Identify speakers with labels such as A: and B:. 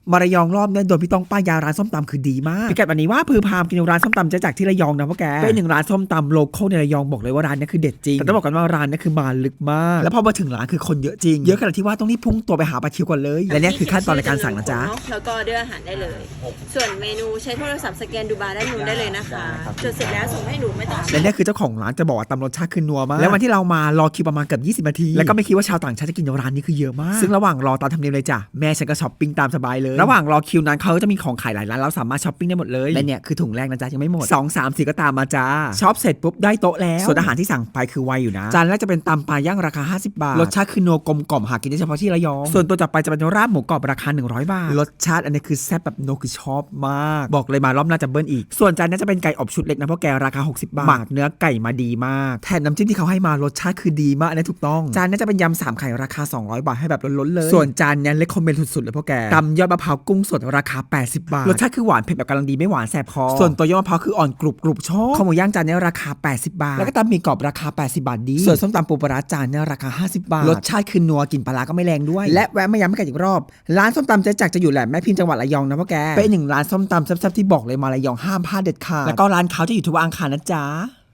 A: มาระยองรอบนี้โดนพี่ต้องป้ายยาร้านส้มตำคือดีมากพิกัดวันนี้ว่าพือพามกินร้านส้มตำเจ๊จากที่ระยองนะพ่อแกเป็นหนึ่งร้านส้มตำโลคอลในระยองบอกเลยว่าร้านนี้คือเด็ดจริงแต่ต้องบอกกันว่าร้านนี้คือมาลึกมากแล้วพอมาถึงร้านคือคนเยอะจริงเยอะขนาดที่ว่าต้องรีบพุ่งตัวไปหาปลาคิวก่อนเลยและนี่คือขั้นตอนในการสั่งนะจ๊ะ
B: แล้วก็เลือกอาหารได้เลยส่วนเมนูใช้โทรศัพท์สแกนดูบาร์ด้านนู้นได้เลยนะคะจดเสร็จแล้วส่งให้หนูไม่ต้อง
A: และนี่คือเจ้าของร้านจะบอกว่าตำรสชาติคือนัวมากแล้ววันที่เรามารอคิวประมาณเกือบ20 นาทีแล้วก็ไม่คิดว่าชาวต่างชาติจะกินร้านนี้คือเยอะมากซึ่งระหว่างรอตามธรรมเนียมเลยจ้ะแม่ฉันก็ช้อปปิ้งตามสบายเลยระหว่างรอคิวนั้นเขาจะมีของขายหลายร้านเราสามารถช้อปปิ้งได้หมดเลยและเนี่ยคือถุงแรกนะจ๊ะยังไม่หมด2 3 4ก็ตามมาจ้าช็อปเสร็จปุ๊บได้โต๊ะแล้วส่วนอาหารที่สั่งไปคือไวอยู่นะจานแรกจะเป็นตำปลาย่างราคา50 บาทรสชาติคือนัวกลมกล่อมหากินได้เฉพาะที่ระยองส่วนตัวต่อไปจะเป็นราบหมูกรอบราคา100 บาทรสชาติอันนี้คือแซ่บแบบโนคือชอบมากบอกเลยมารอบหน้าจะเบิ้ลอีกส่วนจานนี้จะเป็นไก่อบชุดเล็กนะเพราะแกราคา60 บาทหมักเนื้อไก่มาดีมากแถมน้ำจิ้มที่เขาให้มารสชาติคือดีมากอันนี้ถูกต้องจานนี้จะเป็นยำ3 ไข่ราคา200 บาทให้แบบล้นๆเลยส่วนจานนี้เลคคอมเมนต์สุดๆเลยเพราะแกตำยอดมะพร้าวกุ้งสดราคา80 บาทรสชาติคือหวานเผ็ดแบบกำลังดีไม่หวานแสบคอส่วนตัวยอดมะพร้าวคืออ่อนกรุบชอบข้าวหมูย่างจานนี้ราคา80 บาทแล้วก็ตำหมี่กรอบราคา80 บาทดีส่วนส้มตำปูปลาร้าจานนี้ราคา50 บาทรสชาติคือนัวกลิ่นปลาก็ไม่แรงด้วยและแวะมาย้ำให้กันอีกรอบร้านส้มตำเจ๊จักรจะอยู่แหลมแม่พิมพ์จังหวัดระยองนะพ่อแกเป็นหนึ่งร้านส้มตำแซ่บๆที่บอกเลยมาระยองห้ามพลาดเด็ดขาดแล้วก็ร้านเขาจะอยู่ทุกวันอังคารนะจ๊ะ